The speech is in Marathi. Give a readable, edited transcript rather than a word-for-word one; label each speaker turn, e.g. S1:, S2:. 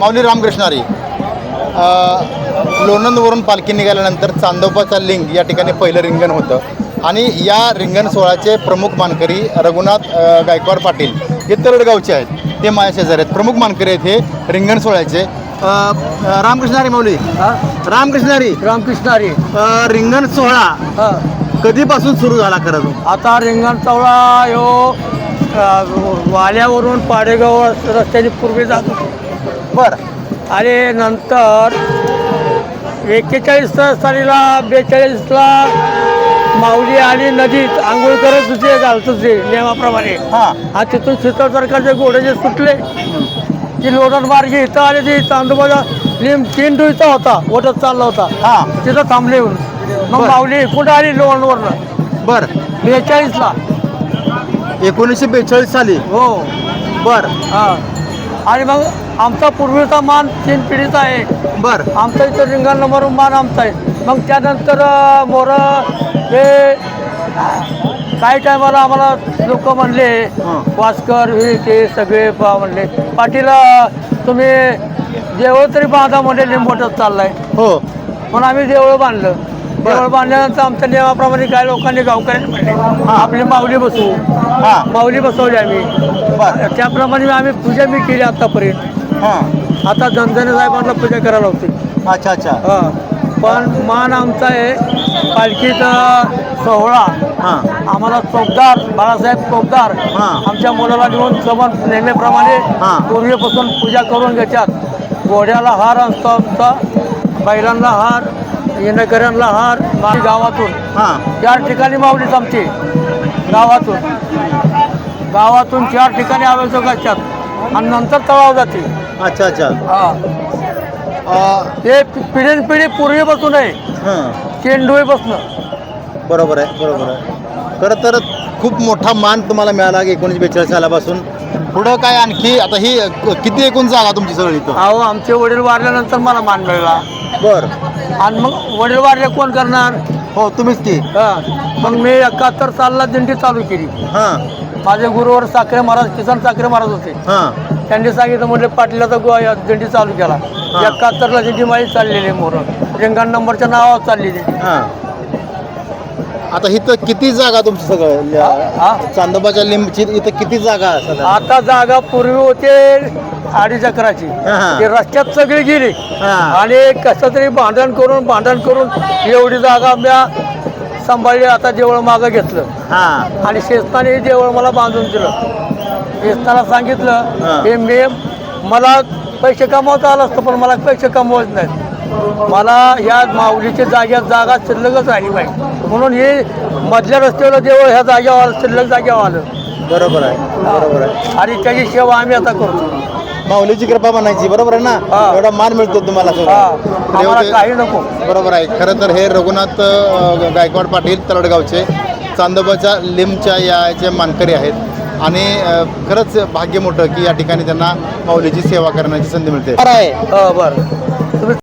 S1: माऊली रामकृष्णारी लोणंदवरून पालखी निघाल्यानंतर चांदोबाचा लिंग या ठिकाणी पहिलं रिंगण होतं आणि या रिंगण सोहळ्याचे प्रमुख मानकरी रघुनाथ गायकवाड पाटील हे तरडगावचे आहेत, ते माझ्या शेजारी आहेत. प्रमुख मानकरी आहेत हे रिंगण सोहळ्याचे. रामकृष्णारी माऊली, रामकृष्णारी
S2: रामकृष्णारी.
S1: रिंगण सोहळा कधीपासून सुरू झाला खरं तो?
S2: आता रिंगण चवळा ह्यो वाल्यावरून पाडेगाव रस्त्याने पूर्वी जात होतो.
S1: बरं.
S2: आणि नंतर 41 सालीला 42ला माऊली आणि नदीत आंघोळ करत होते, घालत होते नियमाप्रमाणे. आणि तिथून शीतळ सरकारचे घोडे जे सुटले की लोणंद मार्गे इथं आले, ते चांदोबाचा लिंब 3 डुईचा होता, ओटत चालला होता. तिथं थांबले येऊन. मग माऊली कुठं आली लोणंदवरनं?
S1: बरं.
S2: 42ला.
S1: 1942 साली.
S2: हो.
S1: बरं.
S2: हां. आणि मग आमचा पूर्वीचा मान 3 पिढीचा आहे.
S1: बरं.
S2: आमचा इथं रिंगण नंबर मान आमचा आहे. मग त्यानंतर मोरं हे काही टायमाला आम्हाला लोक म्हणले, वास्कर हे ते सगळे म्हणले, पाटील तुम्ही देवळ तरी बांधा म्हणले, लिंबोटच चाललाय.
S1: हो.
S2: पण आम्ही देवळं बांधलं. देवळ बांधल्यानंतर आमच्या नियमाप्रमाणे काही लोकांनी गावकऱ्यांनी म्हणले आपली माऊली बसवू. माऊली बसवली आम्ही. त्याप्रमाणे आम्ही पूजा मी केली आतापर्यंत. आता जनजने साहेबांना पूजा करायला होती.
S1: अच्छा अच्छा.
S2: पण मान आमचा आहे पालखीचा सोहळा. आम्हाला चौकदार बाळासाहेब चौकदार आमच्या मुलाला घेऊन समन नेहमीप्रमाणे पूर्वीपासून पूजा करून घेतात. घोड्याला हार असतो आमचा, बैलांना हार, येणेकऱ्यांना हार. गावातून 4 ठिकाणी माऊलीच आमची. गावातून 4 ठिकाणी आवश्यक असतात आणि नंतर तळाव जाते.
S1: अच्छा अच्छा.
S2: ते पिढी पूर्वीपासून आहे, चेंडूपासून.
S1: बरोबर आहे, बरोबर आहे. खरं तर खूप मोठा मान तुम्हाला मिळाला 1942 सालापासून. पुढं काय आणखी आता ही किती एकूण जागा तुमची सगळी इथं?
S2: अहो, आमचे वडील वारल्यानंतर मला मान मिळाला.
S1: बरं.
S2: आणि मग वडील वारले कोण करणार?
S1: हो, तुम्हीच की.
S2: मग मी 71 सालला दिंडी चालू केली. माझे गुरुवर साखरे महाराज, किसन साखरे महाराज होते. त्यांनी सांगितलं, म्हणजे पाटलाचा दिंडी चालू केला. 71ला दिंडी माझी चाललेली मोर रिंगण नंबरच्या नावावर चाललेली.
S1: आता इथं किती जागा तुमची सगळं चांदोबाच्या लिंबची इथं किती जागा?
S2: आता जागा पूर्वी होते 2.5 एकराची. ते रस्त्यात सगळी गेली आणि कसं तरी भांडण करून एवढी जागा म्या सांभाळली. आता देवळ मागं घेतलं आणि शेस्ताने देवळ मला बांधून दिलं. शेस्ताला सांगितलं हे मला पैसे कमवता आलं असतं, पण मला पैसे कमवत नाहीत. मला ह्या माऊलीच्या जागा शिल्लकच राहिली पाहिजे, म्हणून हे मधल्या रस्त्यावर देवळ ह्या जागेवर शिल्लक जागेवर आलं.
S1: बरोबर आहे, बरोबर आहे.
S2: आणि त्याची सेवा आम्ही आता करतो.
S1: माऊलीची कृपा म्हणायची. बरोबर आहे ना? एवढा मान मिळतो तुम्हाला
S2: काही नको.
S1: बरोबर आहे. खरं तर हे रघुनाथ गायकवाड पाटील तरडगावचे चांदोबाच्या लिंबच्या याचे मानकरी आहेत आणि खरंच भाग्य मोठं की या ठिकाणी त्यांना माऊलीची सेवा करण्याची संधी मिळते.
S2: बरं.